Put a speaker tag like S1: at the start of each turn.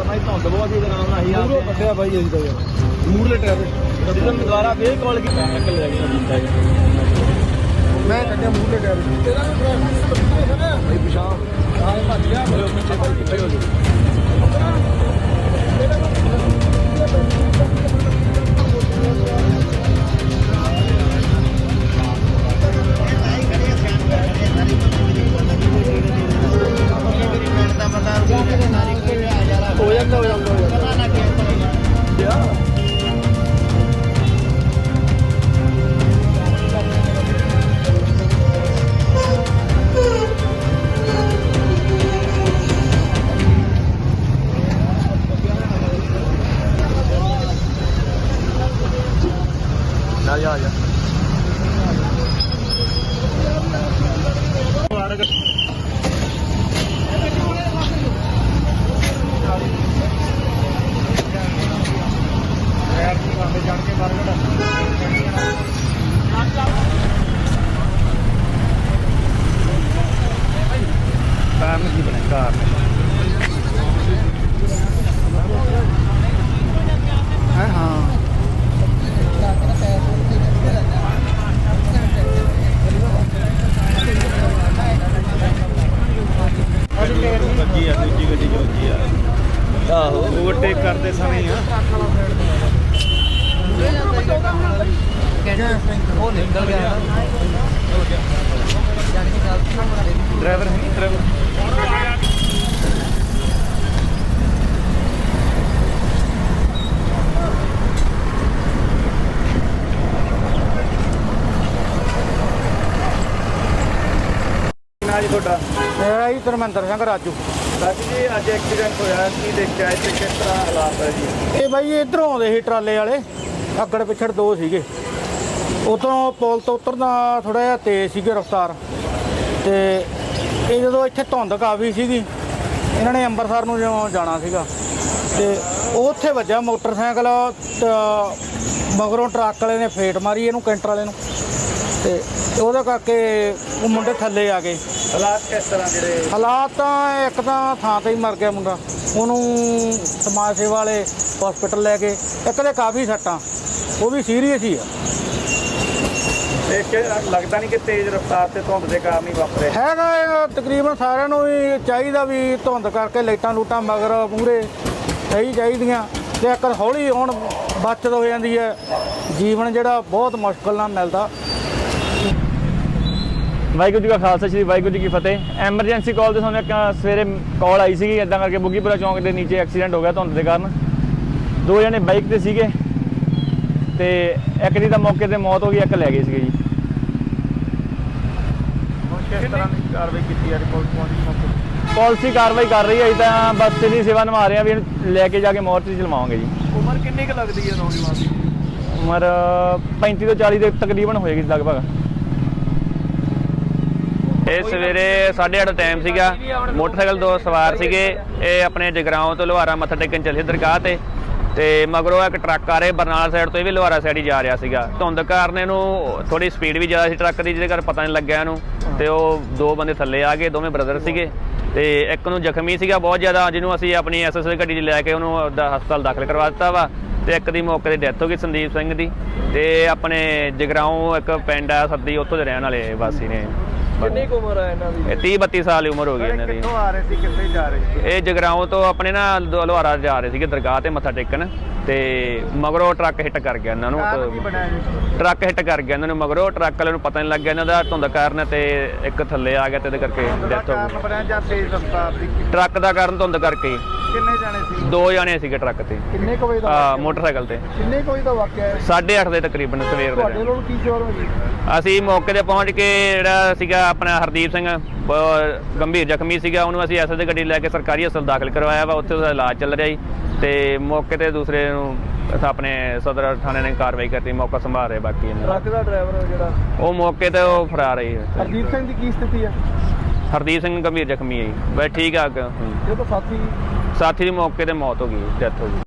S1: भाई धुंद बहुत ही दुकान आई आप
S2: ਕੱਟਿਆ ਬਾਈ ਅਸੀਂ ਤਾਂ ਯਾਰ ਮੂਰਲੇ ਟਾਇਰ
S1: एकदम दोबारा फिर कॉल की निकल जाएगी
S2: ਮੈਂ ਕੱਟਿਆ ਮੂਰਲੇ ਟਾਇਰ ਬਾਈ ਪਿਛਾਂ ਆਹ ਭੱਜ ਗਿਆ ਪਿੱਛੇ ਬਾਈ ਪਿੱਛੇ ਹੋ ਜਾ
S1: हो जाता आ आहो ओवरटेक करते समय
S2: ਉਹ ਨਿਕਲ ਗਿਆ
S1: ड्राइवर है नहीं ड्राइवर ना जी थोड़ा
S2: ਮੇਰਾ ਜੀ ਧਰਮਿੰਦਰ ਸਿੰਘ ਰਾਜੂ
S1: राजू जी अज एक्सीडेंट होया की देखा इत्थे किस तरह हालात है जी
S2: ਇਹ ਬਾਈ ਇੱਧਰੋਂ ਆਉਂਦੇ ਸੀ ਟਰਾਲੇ ਵਾਲੇ ਅੱਗੜ ਪਿਛੜ ਦੋ ਸੀਗੇ ਉਤੋਂ ਪੁਲ ਤੋਂ ਉਤਰਦਾ ਥੋੜਾ ਜਿਹਾ ਤੇਜ਼ ਸੀਗੇ ਰਫ਼ਤਾਰ ਤੇ ਇਹ ਜਦੋਂ ਇੱਥੇ ਧੁੰਦ ਕਾਫੀ ਸੀਗੀ ਇਹਨਾਂ ਨੇ ਅੰਮ੍ਰਿਤਸਰ ਨੂੰ ਜਿਉਂ ਜਾਣਾ ਸੀਗਾ ਤੇ ਉਹ ਉੱਥੇ ਵੱਜਿਆ ਮੋਟਰਸਾਈਕਲ ਮਗਰੋਂ ਟਰੱਕ ਵਾਲੇ ਨੇ ਫੇਟ ਮਾਰੀ ਇਹਨੂੰ ਕੈਂਟਰ ਵਾਲੇ ਨੂੰ ਤੇ ਉਹਦੇ ਕਰਕੇ ਉਹ ਮੁੰਡੇ ਥੱਲੇ ਆ ਗਏ
S1: हालात किस तरह जेडे
S2: ਹਾਲਾਤ ਤਾਂ ਇੱਕ ਤਾਂ ਥਾਂ ਤੇ ਹੀ ਮਰ ਗਿਆ ਮੁੰਡਾ ਉਹਨੂੰ ਸਮਾਜ ਸੇਵਾ ਵਾਲੇ ਹਸਪੀਟਲ ਲੈ ਗਏ ਇੱਕ ਦੇ ਕਾਫੀ ਸੱਟਾਂ ਉਹ ਵੀ ਸੀਰੀਅਸ ਹੀ ਆ
S1: देख के लगता नहीं कि तेज रफ्तार से धुंद के कारण ही वापरे
S2: ਹੈਗਾ ਇਹ ਤਕਰੀਬਨ ਸਾਰਿਆਂ ਨੂੰ ਵੀ ਚਾਹੀਦਾ ਵੀ ਧੁੰਦ ਕਰਕੇ ਲਾਈਟਾਂ ਲੂਟਾਂ ਮਗਰ ਮੂਹਰੇ ਸਹੀ ਚਾਹੀਦੀਆਂ ਤੇ ਇੱਕ ਹੌਲੀ ਹੁਣ ਬਚਤ ਹੋ ਜਾਂਦੀ ਹੈ ਜੀਵਨ ਜਿਹੜਾ ਬਹੁਤ ਮੁਸ਼ਕਲ ਨਾਲ ਮਿਲਦਾ
S3: ਵਾਹਿਗੁਰੂ ਜੀ ਕਾ ਖਾਲਸਾ ਸ਼੍ਰੀ ਵਾਹਿਗੁਰੂ ਜੀ ਕੀ ਫਤਿਹ। ਐਮਰਜੈਂਸੀ ਕਾਲ ਤੇ ਸਾਨੂੰ ਇੱਕ ਸਵੇਰੇ ਕਾਲ ਆਈ ਸੀਗੀ ਇੱਦਾਂ ਕਰਕੇ ਬੁੱਗੀਪੁਰਾ ਚੌਂਕ ਦੇ ਨੀਚੇ ਐਕਸੀਡੈਂਟ ਹੋ ਗਿਆ ਧੁੰਦ ਦੇ ਕਾਰਨ। ਦੋ ਜਣੇ ਬਾਈਕ ਤੇ ਸੀਗੇ ਤੇ ਇੱਕ ਦੀ ਤਾਂ ਮੌਕੇ ਤੇ ਮੌਤ ਹੋ ਗਈ, ਇੱਕ ਲੈ ਗਏ ਸੀਗੇ ਜੀ।
S1: किस तरह की कार्रवाई की है रिपोर्ट पहुंची
S3: ਪਾਲਿਸੀ ਕਾਰਵਾਈ ਕਰ ਰਹੀ ਹੈ ਤਾਂ ਬਸ ਇਹਦੀ ਸੇਵਾ ਨਿਭਾ ਰਹੇ ਆ ਵੀ ਇਹਨੂੰ ਲੈ ਕੇ ਜਾ ਕੇ ਮੋਰਚੇ 'ਚ ਲਵਾਵਾਂਗੇ ਜੀ।
S1: उम्र कितनी क लगती है नौजवान की
S3: ਉਮਰ 35 ਤੋਂ 40 ਦੇ ਤਕਰੀਬਨ ਹੋਏਗੀ ਲਗਭਗ। ਇਹ ਸਵੇਰੇ 8:30 ਟਾਈਮ ਸੀਗਾ, ਮੋਟਰਸਾਈਕਲ ਦੋ ਸਵਾਰ ਸੀਗੇ। ਇਹ ਆਪਣੇ ਜਗਰਾਉਂ ਤੋਂ ਲੋਹਾਰਾ ਮੱਥਾ ਟੇਕਣ ਚੱਲੇ ਦਰਗਾਹ ਤੇ ਮਗਰੋਂ ਇੱਕ ਟਰੱਕ ਆ ਰਿਹਾ ਬਰਨਾਲਾ ਸਾਈਡ ਤੋਂ, ਇਹ ਵੀ ਲੋਹਾਰਾ ਸਾਈਡ ਹੀ ਜਾ ਰਿਹਾ ਸੀਗਾ। ਧੁੰਦ ਕਾਰਨ ਇਹਨੂੰ ਥੋੜੀ ਸਪੀਡ ਵੀ ਜ਼ਿਆਦਾ ਸੀ ਟਰੱਕ ਦੀ, ਜਿਹਦੇ ਕਰਕੇ ਪਤਾ ਨਹੀਂ ਲੱਗਿਆ ਇਹਨੂੰ ਤੇ ਉਹ ਦੋ ਬੰਦੇ ਥੱਲੇ ਆ ਗਏ, ਦੋਵੇਂ ਬ੍ਰਦਰ ਸੀਗੇ ਤੇ ਇੱਕ ਨੂੰ ਜ਼ਖਮੀ ਸੀਗਾ ਬਹੁਤ ਜ਼ਿਆਦਾ, ਜਿਹਨੂੰ ਅਸੀਂ ਆਪਣੀ ਐਸਐਸਏ ਗੱਡੀ 'ਚ ਲੈ ਕੇ ਉਹਨੂੰ ਹਸਪਤਾਲ ਦਾਖਲ ਕਰਵਾ ਦਿੱਤਾ ਵਾ ਤੇ ਇੱਕ ਦੀ ਮੌਕੇ ਤੇ ਡੈਥ ਹੋ ਗਈ ਸੰਦੀਪ ਸਿੰਘ ਦੀ। ਤੇ ਆਪਣੇ ਜਗਰਾਉਂ ਇੱਕ ਪਿੰਡ ਆ ਸੱਦੀ, ਉੱਥੋਂ ਦੇ ਰਹਿਣ ਵਾਲੇ ਵਾਸੀ ਨੇ।
S1: कितनी उम्र है इन्हां दी
S3: ਇਹ 30-32 ਸਾਲ ਦੀ ਉਮਰ ਹੋ ਗਈ ਇਹਨਾਂ ਦੀ।
S1: कित्थों आ रहे थे कित्थे जा रहे थे
S3: ਇਹ ਜਗਰਾਉਂ ਤੋਂ ਆਪਣੇ ਨਾ ਲੋਹਾਰਾ ਜਾ ਰਹੇ ਸੀਗੇ ਦਰਗਾਹ ਤੇ ਮੱਥਾ ਟੇਕਣ ਤੇ ਮਗਰੋਂ ਟਰੱਕ ਹਿੱਟ ਕਰ ਗਿਆ ਇਹਨਾਂ ਨੂੰ। ਟਰੱਕ ਹਿੱਟ ਕਰ ਗਿਆ ਇਹਨਾਂ ਨੂੰ ਮਗਰੋਂ, ਟਰੱਕ ਵਾਲੇ ਨੂੰ ਪਤਾ ਨਹੀਂ ਲੱਗਿਆ ਇਹਨਾਂ ਦਾ ਧੁੰਦ ਕਾਰਨ ਤੇ ਇੱਕ ਥੱਲੇ ਆ ਗਿਆ ਤੇ ਇਹਦੇ ਕਰਕੇ ਡੈਥ ਹੋ ਗਈ।
S1: ਬਣਿਆ ਜਾਂ ਤੇਜ਼ ਰਫ਼ਤਾਰ ਦੀ
S3: ਟਰੱਕ ਦਾ ਕਾਰਨ ਧੁੰਦ ਕਰਕੇ
S1: ਕਿੰਨੇ ਜਾਣੇ ਸੀ
S3: ਦੋ ਜਾਣੇ ਸੀਗੇ ਟਰੱਕ ਤੇ,
S2: ਕਿੰਨੇ ਕੁ ਵਜੇ ਦਾ
S3: ਮੋਟਰਸਾਈਕਲ ਤੇ।
S2: ਕਿੰਨੇ ਕੁ ਵਜੇ ਦਾ ਵਾਕਿਆ ਹੈ
S3: 8:30 ਦੇ ਤਕਰੀਬਨ ਸਵੇਰ ਦੇ
S2: ਤੁਹਾਡੇ ਲੋਕ ਕੀ ਸ਼ੋਰ ਹੋ ਜੀ
S3: ਅਸੀਂ ਮੌਕੇ ਤੇ ਪਹੁੰਚ ਕੇ ਜਿਹੜਾ ਸੀਗਾ ਆਪਣਾ ਹਰਦੀਪ ਸਿੰਘ ਗੰਭੀਰ ਜ਼ਖਮੀ ਸੀਗਾ, ਉਹਨੂੰ ਅਸੀਂ ਐਸਐਸ ਦੀ ਗੱਡੀ ਲੈ ਕੇ ਸਰਕਾਰੀ ਹਸਪਤਾਲ ਦਾਖਲ ਕਰਵਾਇਆ ਵਾ, ਉੱਥੇ ਉਹਦਾ ਇਲਾਜ ਚੱਲ ਰਿਹਾ ਜੀ। ਤੇ ਮੌਕੇ ਤੇ ਦੂਸਰੇ ਨੂੰ ਆਪਣੇ ਸਦਰ ਥਾਣੇ ਨੇ ਕਾਰਵਾਈ ਕਰਤੀ, ਮੌਕਾ ਸੰਭਾਲ ਰਹੇ ਬਾਕੀ ਇਹਨਾਂ
S1: ਟਰੱਕ ਦਾ ਡਰਾਈਵਰ ਜਿਹੜਾ
S3: ਉਹ ਮੌਕੇ ਤੇ ਉਹ ਫਰਾਰ ਹੈ।
S2: ਹਰਦੀਪ ਸਿੰਘ ਦੀ ਕੀ ਸਥਿਤੀ ਹੈ
S3: ਹਰਦੀਪ ਸਿੰਘ ਗੰਭੀਰ ਜ਼ਖਮੀ ਹੈ ਜੀ, ਬਸ ਠੀਕ ਆ।
S2: ਇਹ ਤਾਂ ਸਾਥੀ
S3: ਸਾਥੀ ਦੀ ਮੌਕੇ ਤੇ ਮੌਤ ਹੋ ਗਈ, ਡੈਥ ਹੋ ਗਈ।